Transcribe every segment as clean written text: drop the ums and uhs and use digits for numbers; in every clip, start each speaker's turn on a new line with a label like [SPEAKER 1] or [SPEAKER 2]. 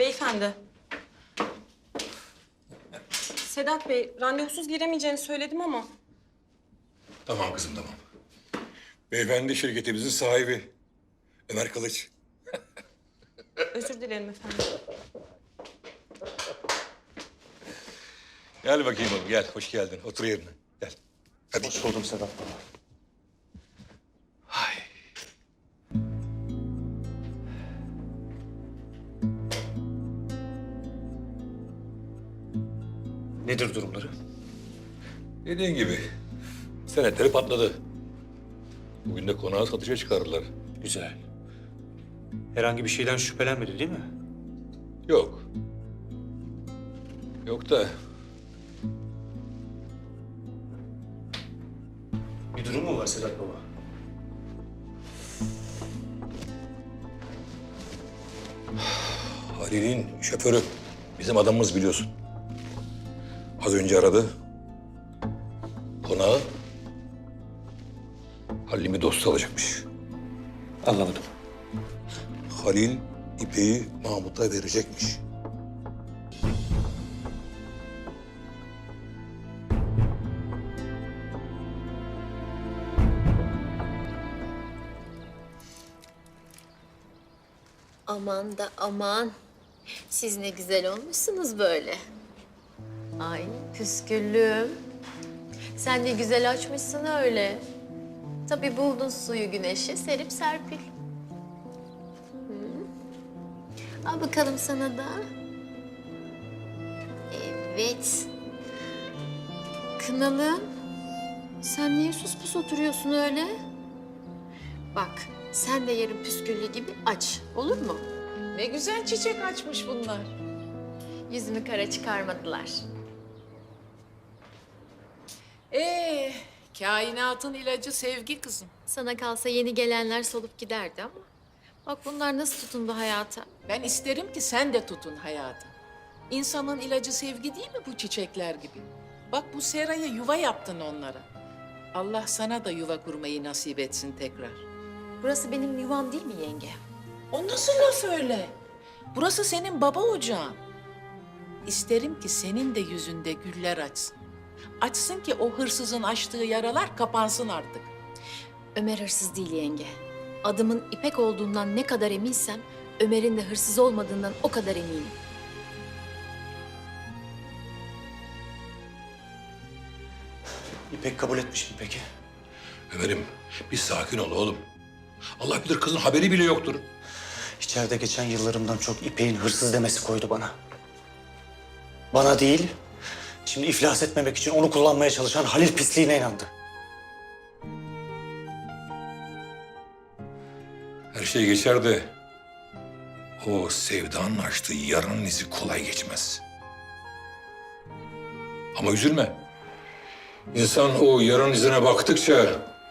[SPEAKER 1] Beyefendi. Sedat Bey, randevusuz giremeyeceğini söyledim ama.
[SPEAKER 2] Tamam kızım, tamam. Beyefendi şirketimizin sahibi. Ömer Kılıç.
[SPEAKER 1] Özür dilerim efendim.
[SPEAKER 2] Gel bakayım oğlum, gel. Hoş geldin. Otur yerine. Gel. Hadi.
[SPEAKER 3] Hoş buldum Sedat baba.
[SPEAKER 2] Hay.
[SPEAKER 3] Nedir durumları?
[SPEAKER 2] Dediğin gibi senetleri patladı. Bugün de konağı satışa çıkarırlar.
[SPEAKER 3] Güzel. Herhangi bir şeyden şüphelenmedi değil mi?
[SPEAKER 2] Yok. Yok da
[SPEAKER 3] Bir durum mu var Sedat baba?
[SPEAKER 2] Halil'in şoförü. Bizim adamımız biliyorsun. Az önce aradı. Konağı Halil'imi dostu alacakmış.
[SPEAKER 3] Anlamadım.
[SPEAKER 2] Halil İpek'i Mahmut'a verecekmiş.
[SPEAKER 4] Aman da aman. Siz ne güzel olmuşsunuz böyle. Ay püsküllüm. Sen ne güzel açmışsın öyle. Tabii buldun suyu güneşi serip serpil. Hı. Al bakalım sana da. Evet. Kınalım. Sen niye sus pus oturuyorsun öyle? Bak, sen de yarın püsküllü gibi aç, olur mu?
[SPEAKER 5] Ne güzel çiçek açmış bunlar.
[SPEAKER 4] Yüzümü kara çıkarmadılar.
[SPEAKER 5] Kainatın ilacı sevgi kızım.
[SPEAKER 4] Sana kalsa yeni gelenler solup giderdi ama... Bak bunlar nasıl tutundu hayata.
[SPEAKER 5] Ben isterim ki sen de tutun hayatı. İnsanın ilacı sevgi değil mi bu çiçekler gibi? Bak bu seraya yuva yaptın onlara. Allah sana da yuva kurmayı nasip etsin tekrar.
[SPEAKER 4] Burası benim yuvam değil mi yenge?
[SPEAKER 5] O nasıl laf öyle? Burası senin baba ocağın. İsterim ki senin de yüzünde güller açsın. Açsın ki o hırsızın açtığı yaralar kapansın artık.
[SPEAKER 4] Ömer hırsız değil yenge. Adımın İpek olduğundan ne kadar eminsem... Ömer'in de hırsız olmadığından o kadar eminim.
[SPEAKER 3] İpek kabul etmiş mi peki?
[SPEAKER 2] Ömer'im bir sakin ol oğlum. Allah bilir kızın haberi bile yoktur.
[SPEAKER 3] İçeride geçen yıllarımdan çok İpek'in hırsız demesi koydu bana. Bana değil, şimdi iflas etmemek için onu kullanmaya çalışan Halil pisliğine inandı.
[SPEAKER 2] Her şey geçer de o sevdanın açtığı yaranın izi kolay geçmez. Ama üzülme. İnsan o yaranın izine baktıkça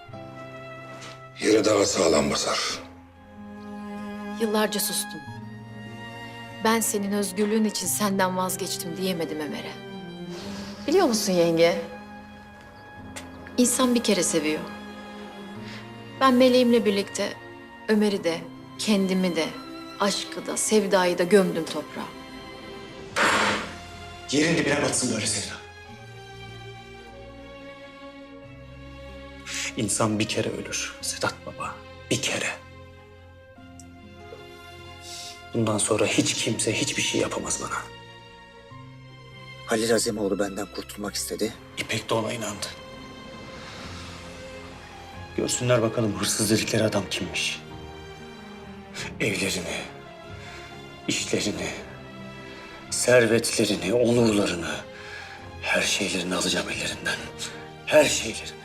[SPEAKER 2] yere daha sağlam basar.
[SPEAKER 4] Yıllarca sustum. Ben senin özgürlüğün için senden vazgeçtim diyemedim Ömer'e. Biliyor musun yenge? İnsan bir kere seviyor. Ben meleğimle birlikte Ömer'i de, kendimi de, aşkı da, sevdayı da gömdüm toprağa.
[SPEAKER 3] Yerin dibine batsın böyle sevda. İnsan bir kere ölür Sedat baba, bir kere. Bundan sonra hiç kimse hiçbir şey yapamaz bana.
[SPEAKER 6] Halil Azemoğlu benden kurtulmak istedi.
[SPEAKER 3] İpek de ona inandı. Görsünler bakalım hırsız dedikleri adam kimmiş. Evlerini, işlerini, servetlerini, onurlarını, her şeylerini alacağım ellerinden. Her şeylerini.